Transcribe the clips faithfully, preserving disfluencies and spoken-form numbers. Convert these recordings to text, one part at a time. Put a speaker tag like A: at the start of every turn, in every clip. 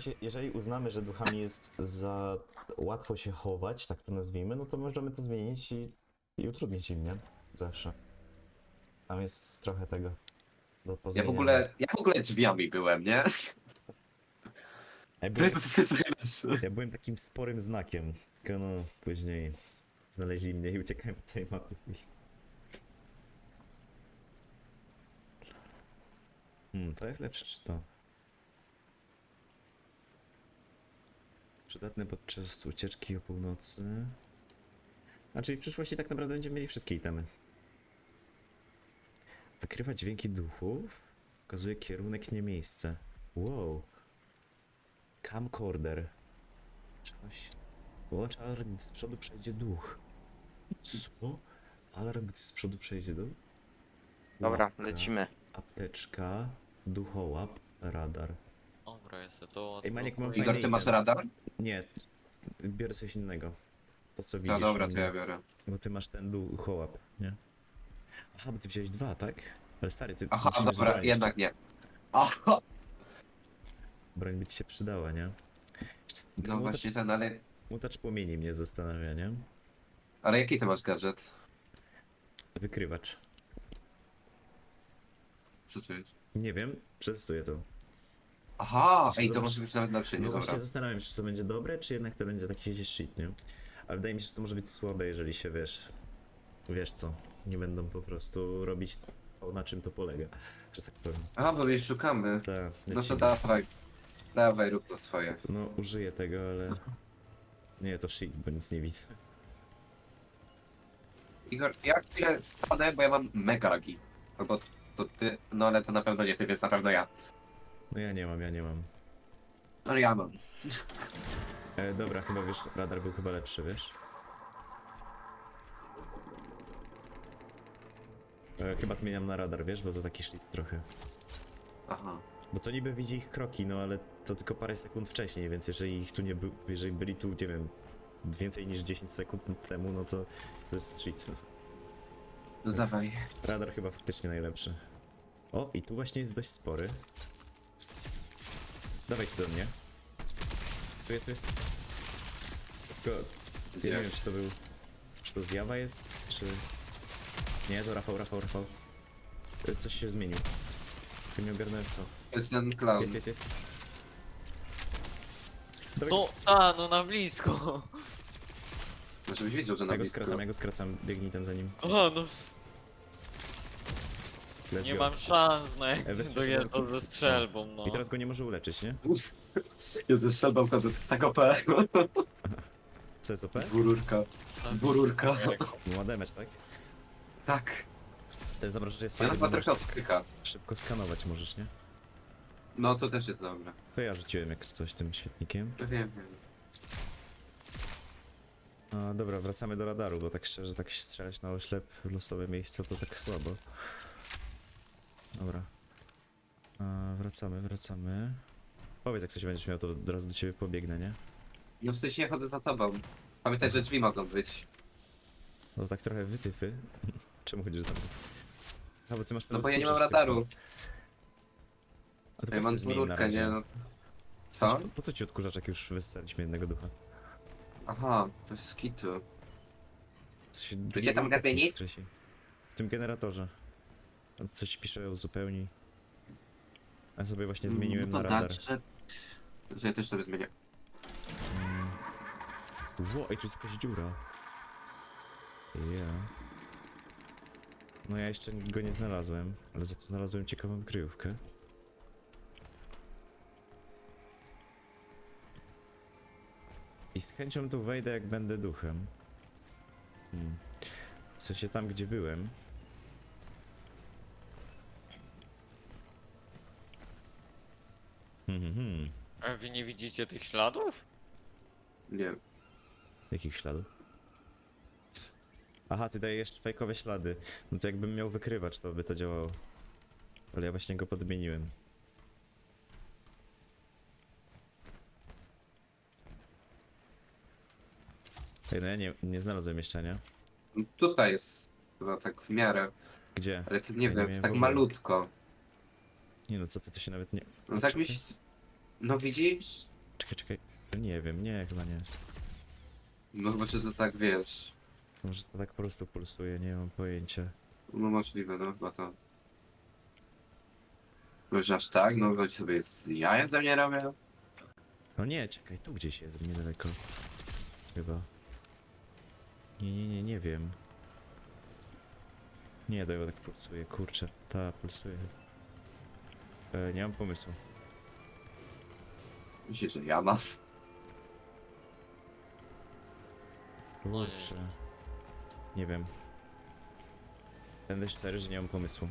A: sensie, jeżeli uznamy, że duchami jest za łatwo się chować, tak to nazwijmy, no to możemy to zmienić i, i utrudnić im, nie? Zawsze. Tam jest trochę tego do
B: Ja w
A: pozmieniania.
B: ogóle, ja w ogóle drzwiami byłem, nie?
A: Ja
B: To
A: byłem,
B: jest, to jest najlepsze.
A: ja byłem takim sporym znakiem, tylko no później znaleźli mnie i uciekałem od tej mapy. Hmm, to jest lepsze czy to? Przydatne podczas ucieczki o północy. A czyli w przyszłości tak naprawdę będziemy mieli wszystkie itemy. Wykrywa dźwięki duchów. Pokazuje kierunek, nie miejsce. Wow. Camcorder. Czegoś. Wyłącz alarm, gdy z przodu przejdzie duch. Co? Alarm, gdy z przodu przejdzie duch?
C: Dobra,
A: Łapka,
C: lecimy.
A: apteczka, duchołap, radar.
D: Dobra, jest to.
A: Ej, Maniek, mam
B: Igor,
A: fajny
B: ty masz
A: item.
B: radar?
A: Nie, biorę coś innego. To co
B: No
A: widzisz
B: dobra,
A: u
B: to
A: mnie.
B: ja biorę.
A: Bo ty masz ten duchołap, nie? Aha, bo ty wziąłeś dwa, tak? Ale stary, ty
B: Aha,
A: musimy
B: dobra,
A: broń
B: jednak
A: jeszcze.
B: nie. Aha!
A: Broń by ci się przydała, nie? Jeszcze
B: No
A: mutacz-
B: właśnie ten, ale...
A: Mutacz płomieni mnie zastanawia, nie?
B: Ale jaki ty masz gadżet?
A: Wykrywacz.
B: Co to jest?
A: Nie wiem, przetestuję to.
B: Aha!
A: Coś
B: Ej, to
A: zobacz-
B: może być nawet lepsze, nie?
A: No
B: Dobra.
A: właśnie zastanawiam się, czy to będzie dobre, czy jednak to będzie taki shit, nie? Ale wydaje mi się, że to może być słabe, jeżeli się, wiesz... Wiesz co, nie będą po prostu robić to, na czym to polega, że tak powiem.
B: Aha, bo już szukamy.
A: Ta,
B: No to
A: lecimy.
B: dawaj. Dawaj, rób to swoje.
A: No, użyję tego, ale... Nie, to shit, bo nic nie widzę.
B: Igor, ja chwilę stanę, bo ja mam mega lagi. Albo to ty, no ale to na pewno nie ty, więc na pewno ja.
A: No ja nie mam, ja nie mam.
B: No ale ja mam.
A: E, dobra, chyba wiesz, radar był chyba lepszy, wiesz? E, chyba zmieniam na radar, wiesz, bo to taki shit trochę.
B: Aha.
A: Bo to niby widzi ich kroki, no ale to tylko parę sekund wcześniej, więc jeżeli ich tu nie był, jeżeli byli tu, nie wiem, więcej niż dziesięć sekund temu, no to to jest shit.
B: No
A: Więc
B: dawaj.
A: Radar chyba faktycznie najlepszy. O, i tu właśnie jest dość spory. Dawaj tu do mnie. Tu jest, tu jest. Tylko, ja
B: Gdzie?
A: nie wiem, czy to był... Czy to zjawa jest, czy... Nie, to Rafał, Rafał, Rafał. E, Coś się zmienił. Tylko nie ogarnąłem co.
B: To jest ten clown.
A: Jest, jest, jest. Dawaj,
D: No, a, no na blisko.
B: No żebyś wiedział, że na
A: ja go
B: blisko.
A: skracam, ja go skracam. Biegnij tam za nim.
D: A, no,
A: Let's
D: nie
A: go.
D: mam szans na
A: E, weź
D: do jedno ze strzelbą, no.
A: I teraz go nie może uleczyć, nie?
B: Ja ze strzelbą wtedy, to jest tak O P.
A: Co jest O P?
B: Dwururka. Dwururka.
A: Ma damage, tak?
B: Tak.
A: Ten zamrożacz jest
B: Ja
A: fajny,
B: chyba
A: bo możesz
B: trochę odkryka.
A: szybko skanować możesz, nie?
B: No to też jest dobre.
A: To ja rzuciłem jak coś tym świetnikiem.
B: Wiem, wiem.
A: A, dobra, wracamy do radaru, bo tak szczerze, tak strzelać na oślep w losowe miejsce to tak słabo. Dobra. A, wracamy, wracamy. Powiedz, jak coś będziesz miał, to od razu do ciebie pobiegnę, nie?
B: No w sensie ja chodzę za tobą. Pamiętaj, że drzwi mogą być.
A: No tak trochę wytyfy. Czemu chodzisz za mną? A, bo ty masz ten
B: No bo ja nie mam
A: odkurzacz taki.
B: radaru.
A: A to
B: Ja
A: po
B: mam
A: prostu zmień na
B: dwururkę,
A: razie.
B: nie no.
A: Coś,
B: Co?
A: po co ci odkurzacz, jak już wysłaliśmy jednego ducha?
B: Aha, to jest skitu.
A: Co się
B: Gdzie tam
A: drugiego
B: gaz zmienić?
A: wskrzesi. W tym generatorze. Tam coś pisze uzupełnij. A ja sobie właśnie zmieniłem
B: no
A: na
B: to
A: radar.
B: gadżet. Że ja też sobie zmienię.
A: Mm. Ło, ej, tu jest jakaś dziura. Ja. No ja jeszcze go nie znalazłem, ale za to znalazłem ciekawą kryjówkę. I z chęcią tu wejdę, jak będę duchem. Hmm. W sensie tam, gdzie byłem. Hmm, hmm, hmm.
D: A wy nie widzicie tych śladów?
B: Nie.
A: Jakich śladów? Aha, ty dajesz fejkowe ślady. No to jakbym miał wykrywacz, to by to działało. Ale ja właśnie go podmieniłem. Ej, no ja nie, nie znalazłem jeszcze, nie?
B: No tutaj jest chyba tak w miarę.
A: Gdzie?
B: Ale to nie
A: Ja nie
B: wiem,
A: miałem
B: tak
A: w ogóle.
B: malutko.
A: Nie no, co ty, to się nawet nie...
B: No tak byś... No widzisz?
A: Czekaj, czekaj. Nie wiem, nie, chyba nie.
B: No chyba, że to tak wiesz.
A: Może to tak po prostu pulsuje, nie mam pojęcia.
B: No możliwe, no chyba to. Może aż tak? No chodź sobie z jaja ze mnie robią.
A: No nie, czekaj, tu gdzieś jest, niedaleko. Chyba. Nie, nie, nie, nie wiem. Nie, to tak pulsuje, kurczę. Ta, pulsuje. E, nie mam pomysłu.
B: Myślisz, że ja mam?
D: No nie.
A: Kurczę. Nie wiem. Będę szczery, że nie mam pomysłu.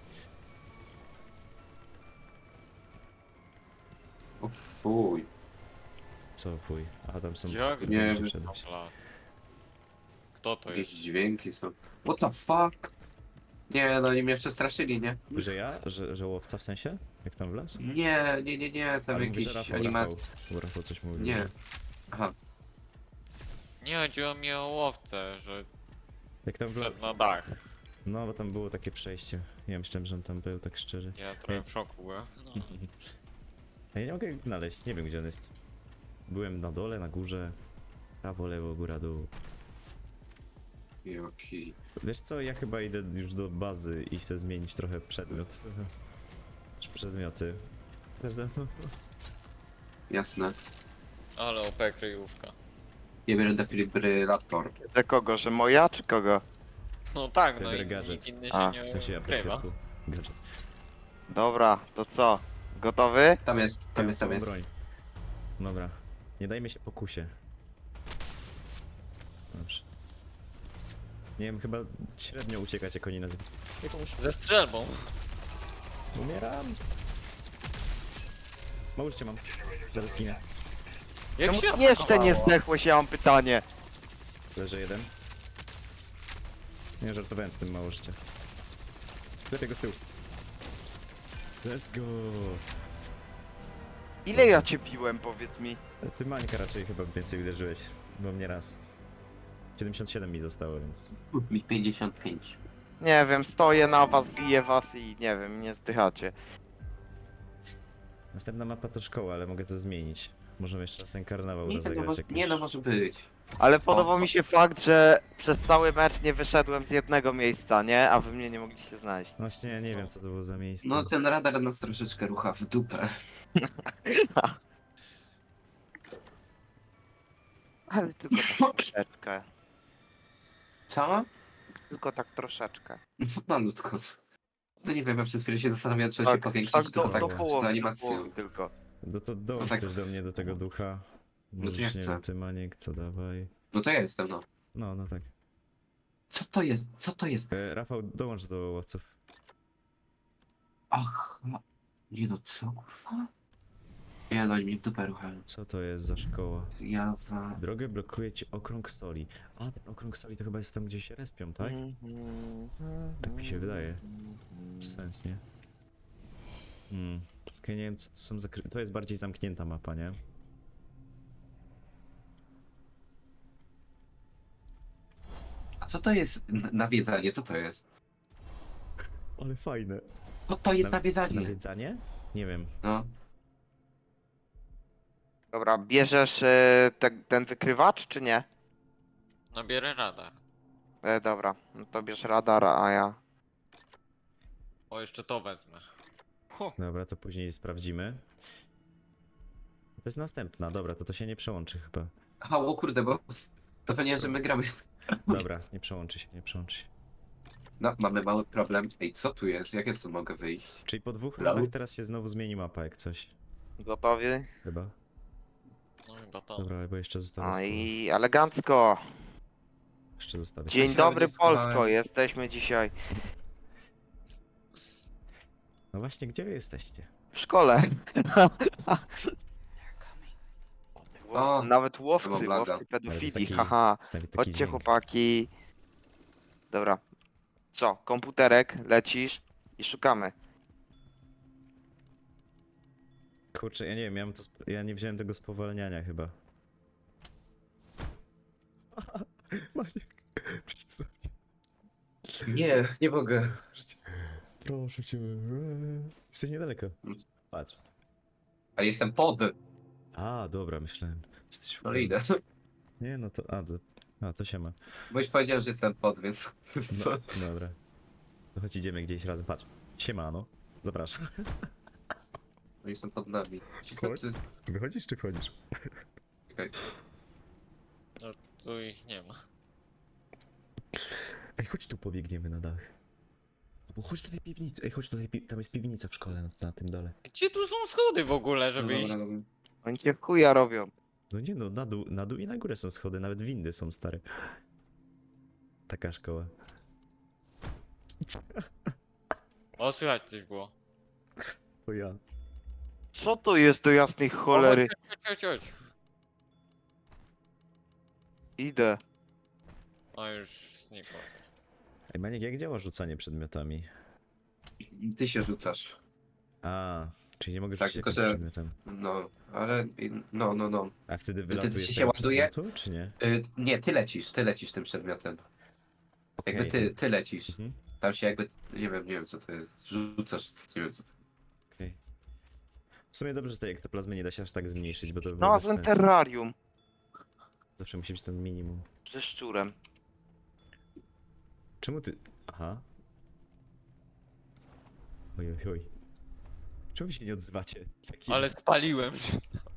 B: O fuj.
A: Co, fuj. A tam są...
D: Jak
A: Nie,
B: Nie
A: nie
B: wiem.
A: wszedłeś.
D: Las. Kto to
B: Jakieś
D: jest?
B: dźwięki są. What the fuck? Nie, no oni mnie przestraszyli, nie?
A: Że ja? Że, że łowca w sensie? Jak tam w las?
B: Nie, nie, nie, nie, tam
A: Ale mówię,
B: jakieś
A: że Rafał,
B: animacje.
A: Rafał. Bo Rafał coś mówił.
B: Nie.
A: że-
B: Aha.
D: Nie chodziło mi o łowcę, że
A: Jak tam w las...
D: wszedł na dach.
A: No, bo tam było takie przejście. Ja myślałem, że on tam był, tak szczerze.
D: Ja trochę w szoku byłem. No.
A: A ja nie mogę go znaleźć, nie wiem gdzie on jest. Byłem na dole, na górze. Prawo, lewo, góra, dół.
B: Jaki.
A: Wiesz co, ja chyba idę już do bazy i chcę zmienić trochę przedmiot. Czy przedmioty. Też ze mną?
B: Jasne.
D: Ale O P kryjówka.
B: Ja biorę defibrylator.
C: Że kogo, że moja czy kogo?
D: No tak, no
A: Wybierz
D: i
A: gadżet.
D: nikt inny się
C: A,
D: nie
A: W sensie
D: ukrywa.
A: apteczkę. Gadżet.
C: Dobra, to co? Gotowy?
B: Tam jest, tam jest, tam
A: Mam
B: jest.
A: broń. Dobra. Nie dajmy się pokusie. Dobrze. Nie wiem, chyba średnio uciekać jak oni nazywają. Jakąś...
D: Ze strzelbą.
A: Umieram! Mało życia mam. Zaraz skinę.
D: Jak
C: Czemu
D: się
C: ty jeszcze nie
D: atakowało?
C: zdechłeś, ja mam pytanie.
A: Leży jeden. Nie, żartowałem z tym, mało życia. Lepiej go z tyłu. Let's go!
C: Ile ja cię biłem, powiedz mi?
A: Ty Mańka raczej chyba więcej uderzyłeś, bo mnie raz. siedemdziesiąt siedem mi zostało, więc...
B: Mi pięćdziesiąt pięć.
C: Nie wiem, stoję na was, biję was i nie wiem, nie zdychacie.
A: Następna mapa to szkoła, ale mogę to zmienić. Możemy jeszcze raz ten karnawał
B: Nie, no,
A: rozegrać
B: może,
A: jakoś.
B: nie no, może być.
C: Ale podoba
B: co?
C: mi się fakt, że przez cały mecz nie wyszedłem z jednego miejsca, nie? A wy mnie nie mogliście znaleźć.
A: Właśnie, ja nie wiem co to było za miejsce.
B: No ten radar nas troszeczkę rucha w dupę.
C: Ale tylko tak troszeczkę.
B: Co?
C: Tylko tak troszeczkę.
B: Malutko. No nie wiem, ja przez chwilę się zastanawiam, czy się
C: Tak,
B: powiększyć,
C: tak
B: tylko
C: do,
B: tak,
C: do
B: czy to
C: połowy, do
B: animacją.
C: połowy tylko.
A: No to dołącz
B: No tak.
A: coś do mnie, do tego ducha.
B: No to ja
A: Możesz, nie
B: chcę.
A: wiem, ty Maniek, co dawaj.
B: No to ja jestem, no.
A: No, no tak.
B: Co to jest? Co to jest?
A: E, Rafał, dołącz do łowców.
B: Ach, nie no, co kurwa? Nie no, oni mnie w dupę ruchają.
A: Co to jest za szkoła?
B: Jawa.
A: Drogę blokuje ci okrąg soli. A, ten okrąg soli to chyba jest tam, gdzie się respią, tak? Tak mi się wydaje. Sens, nie? Hmm. Tylko ja nie wiem, co to są za... kry- To jest bardziej zamknięta mapa, nie?
B: A co to jest n- nawiedzanie? Co to jest?
A: Ale fajne.
B: Co to jest
A: Na-
B: nawiedzanie?
A: Nawiedzanie? Nie wiem.
B: No.
C: Dobra, bierzesz e, te, ten wykrywacz, czy nie?
D: Nabierę radar.
C: E, dobra, no to bierz radar, a ja...
D: O, jeszcze to wezmę. Hu.
A: Dobra, to później sprawdzimy. To jest następna, dobra, to to się nie przełączy chyba.
B: Aha, o kurde, bo to pewnie, że my gramy.
A: Dobra, nie przełączy się, nie przełączy się.
B: No, mamy mały problem. Ej, co tu jest? Jak ja tu mogę wyjść?
A: Czyli po dwóch
B: Halo?
A: rundach teraz się znowu zmieni mapa, jak coś.
C: Gotowi?
A: Chyba.
D: No chyba to.
A: Dobra, bo jeszcze zostawię
C: No
A: skóra.
C: i elegancko.
A: Jeszcze zostawię
C: Dzień
B: się
C: dobry
B: nie schowałem.
C: Polsko, jesteśmy dzisiaj
A: No właśnie, gdzie wy jesteście?
C: w szkole.
B: O,
C: Nawet łowcy,
B: mam laga.
C: łowcy
A: Ale to
C: pedofili,
A: jest taki-
C: haha.
A: Jest nawet taki
C: Chodźcie
A: dźwięk.
C: chłopaki. Dobra. Co, komputerek, lecisz i szukamy.
A: Kurczę, ja nie wiem, ja, mam to sp- ja nie wziąłem tego spowalniania chyba. Maniek, przyjdź.
B: nie, nie mogę.
A: Proszę cię. Jesteś niedaleko. Patrz.
B: Ale jestem pod.
A: A, dobra, myślałem. Jesteś w
B: No idę.
A: Nie, no to... A, to, a, to się ma.
B: Bo już powiedziałem, że jestem pod, więc... Co?
A: No, dobra. To chodź, idziemy gdzieś razem. Patrz. Siemano. Zapraszam.
B: Oni są pod nami. Cicho,
A: Chodź.
B: ty...
A: Wychodzisz czy wchodzisz?
B: Czekaj.
D: No tu ich nie ma.
A: Ej, chodź tu pobiegniemy na dach. Albo chodź tutaj piwnicę. Ej, chodź tutaj, pi- tam jest piwnica w szkole na, na tym dole.
D: Gdzie tu są schody w ogóle,
B: No
D: żeby iść?
B: dobra, dobra.
C: Oni cię w chuja robią.
A: No nie no, na dół, na dół i na górę są schody, nawet windy są stare. Taka szkoła.
D: O, słychać coś było.
A: To ja.
C: Co to jest do jasnej cholery?
D: O, chodź, chodź, chodź, chodź.
C: Idę.
D: O, już znikło.
A: Ej, Maniek, jak działa rzucanie przedmiotami?
B: Ty się rzucasz.
A: A, czyli nie mogę
B: Tak,
A: rzucić
B: tylko
A: jakimś
B: że-
A: przedmiotem.
B: No, ale... No, no, no.
A: A wtedy
B: ty
A: wylatuje
B: się
A: z tego
B: ładuje?
A: przedmiotu, czy nie?
B: Y, nie, ty lecisz, ty lecisz tym przedmiotem. Jakby
A: Okej.
B: ty, ty lecisz.
A: Mhm.
B: Tam się jakby... Nie wiem, nie wiem co to jest. Rzucasz, nie wiem co to...
A: Okej. W sumie dobrze, że tej ektoplazmy nie da się aż tak zmniejszyć, bo to by
C: No,
A: było
C: a
A: bez
C: ten
A: sensu.
C: terrarium.
A: Zawsze musi być ten minimum.
C: Ze szczurem.
A: Czemu ty... Aha. Oj, oj, oj. Czemu wy się nie odzywacie? Taki...
D: Ale spaliłem się.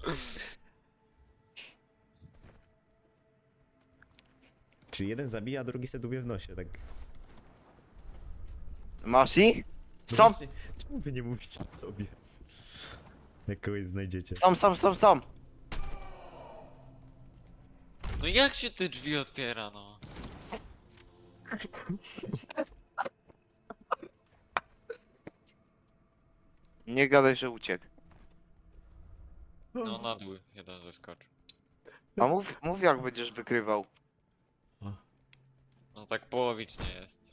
A: Czyli jeden zabija, a drugi se dubie w nosie, tak...
C: Masz ich?
A: No
C: Są,
A: właśnie, czemu wy nie mówicie o sobie? Jak kogoś znajdziecie.
C: są, są, są, są.
D: No jak się te drzwi otwiera, no?
C: Nie gadaj, że uciekł.
D: No na dół jeden zeskoczył.
C: A mów, mów jak będziesz wykrywał.
D: No tak połowicznie jest.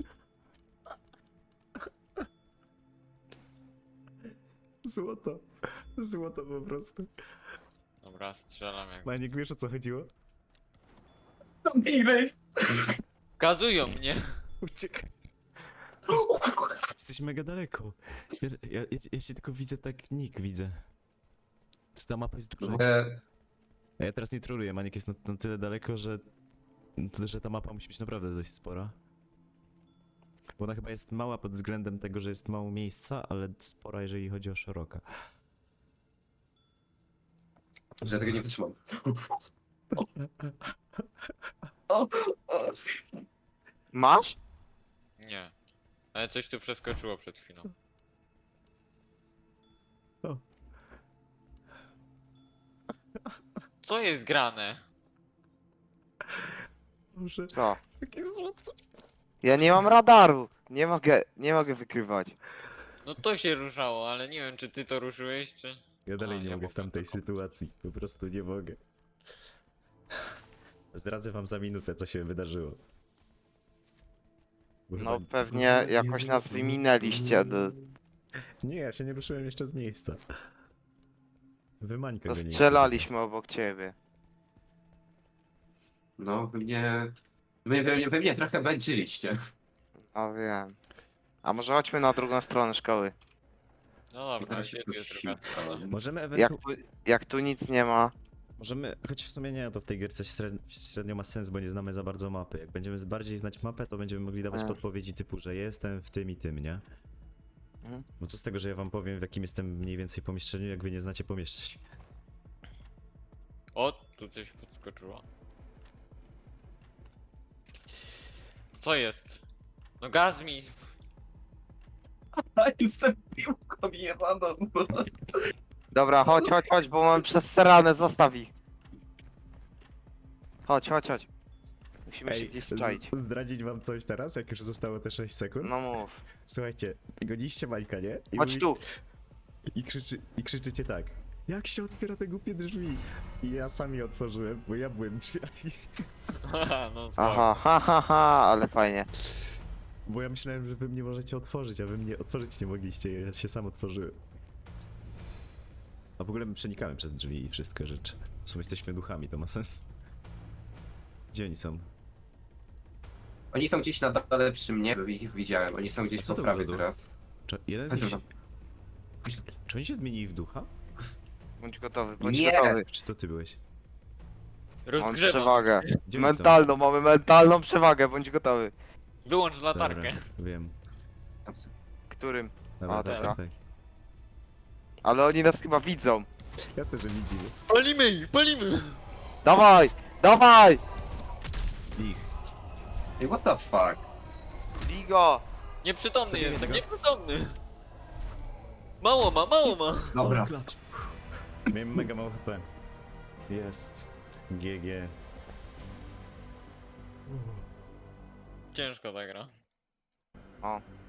A: Złoto. Złoto po prostu.
D: Dobra, strzelam jak...
A: Maniek, wiesz o co chodziło?
D: Kazują mnie!
A: Uciekaj. Jesteś mega daleko. Ja, ja, ja, ja się tylko widzę tak, nick widzę. Czy ta mapa jest duża?
B: E,
A: A ja teraz nie troluję, Maniek jest na, na tyle daleko, że, że ta mapa musi być naprawdę dość spora. Bo ona chyba jest mała pod względem tego, że jest mało miejsca, ale spora, jeżeli chodzi o szeroka.
B: że tego nie wytrzymam. O, o.
C: Masz?
D: Nie. Ale coś tu przeskoczyło przed chwilą.
A: O.
D: Co jest grane?
A: Może...
C: Co?
A: Jakie złoto.
C: Ja nie mam radaru. Nie mogę, nie mogę wykrywać.
D: No to się ruszało, ale nie wiem czy ty to ruszyłeś, czy...
A: Ja dalej
D: A,
A: nie
D: ja
A: mogę z
D: mogę
A: tamtej
D: tylko.
A: sytuacji. Po prostu nie mogę. Zdradzę wam za minutę, co się wydarzyło. Bo
C: No
A: chyba-
C: pewnie jakoś nas wyminęliście. Do,
A: Nie, ja się nie ruszyłem jeszcze z miejsca. Wymańka
C: to
A: go nie
C: strzelaliśmy obok ciebie.
B: No, wy mnie... Wy, wy, mnie- wy mnie trochę męczyliście.
C: A wiem. A może chodźmy na drugą stronę szkoły.
D: No dobra,
B: Zaraz się
D: gdzie tu jest
B: pościgam.
D: druga?
A: Możemy
C: Jak
A: ewentualnie...
C: tu, jak tu nic nie ma.
A: Możemy, choć w sumie nie, to w tej gierce średnio, średnio ma sens, bo nie znamy za bardzo mapy. Jak będziemy bardziej znać mapę, to będziemy mogli dawać
C: A.
A: podpowiedzi typu, że jestem w tym i tym, nie?
C: Mhm.
A: Bo co z tego, że ja wam powiem, w jakim jestem mniej więcej pomieszczeniu, jak wy nie znacie pomieszczeń.
D: O, tu coś podskoczyło. Co jest? No gaz mi!
B: Jestem piłką jebaną.
C: Dobra, chodź, chodź, chodź, bo mam przesrane, zostaw ich. Chodź, chodź, chodź. Musimy się gdzieś strzaić.
A: z- zdradzić wam coś teraz, jak już zostało te sześć sekund?
C: No mów.
A: Słuchajcie, goniliście Majka, nie? I
C: Chodź
A: mówi-
C: tu.
A: I, krzyczy, I krzyczycie tak. Jak się otwiera te głupie drzwi? I ja sam je otworzyłem, bo ja byłem drzwiami.
D: Haha, no spoko.
C: Aha, ha, ha, ha, ale fajnie.
A: Bo ja myślałem, że wy mnie możecie otworzyć, a wy mnie otworzyć nie mogliście, ja się sam otworzyłem. A w ogóle my przenikamy przez drzwi i wszystkie rzeczy. W sumie jesteśmy duchami, to ma sens. Gdzie oni są?
B: Oni są gdzieś na dole przy mnie, ich widziałem. Oni są
A: A
B: gdzieś
A: co
B: po
A: to
B: prawej
A: za duch?
B: teraz.
A: Czy jeden z
B: A co
A: nich...
B: tam?
A: Czy oni się zmienili w ducha?
C: Bądź gotowy, bądź
B: Nie.
C: gotowy.
A: Czy to ty byłeś?
C: Mam
D: Rozgrzewam.
C: przewagę.
A: Gdzie oni są?
C: Mentalną, mamy mentalną przewagę, bądź gotowy.
D: Wyłącz latarkę.
A: Dobra, wiem.
C: Którym?
A: Dobra,
C: A,
A: tak,
C: dobra.
A: tak, tak.
C: Ale oni nas chyba widzą.
A: Jasne, że widzimy.
D: Palimy ich, palimy!
C: Dawaj, dawaj!
A: Ich.
B: Ej, what the fuck?
C: Bigo!
D: Nieprzytomny
A: Zabiję
D: jestem,
A: go.
D: nieprzytomny! Mało ma, mało ma!
B: Dobra.
A: O, klacz. Miałem mega mało H P. Jest. G G.
D: Ciężko ta gra.
C: O,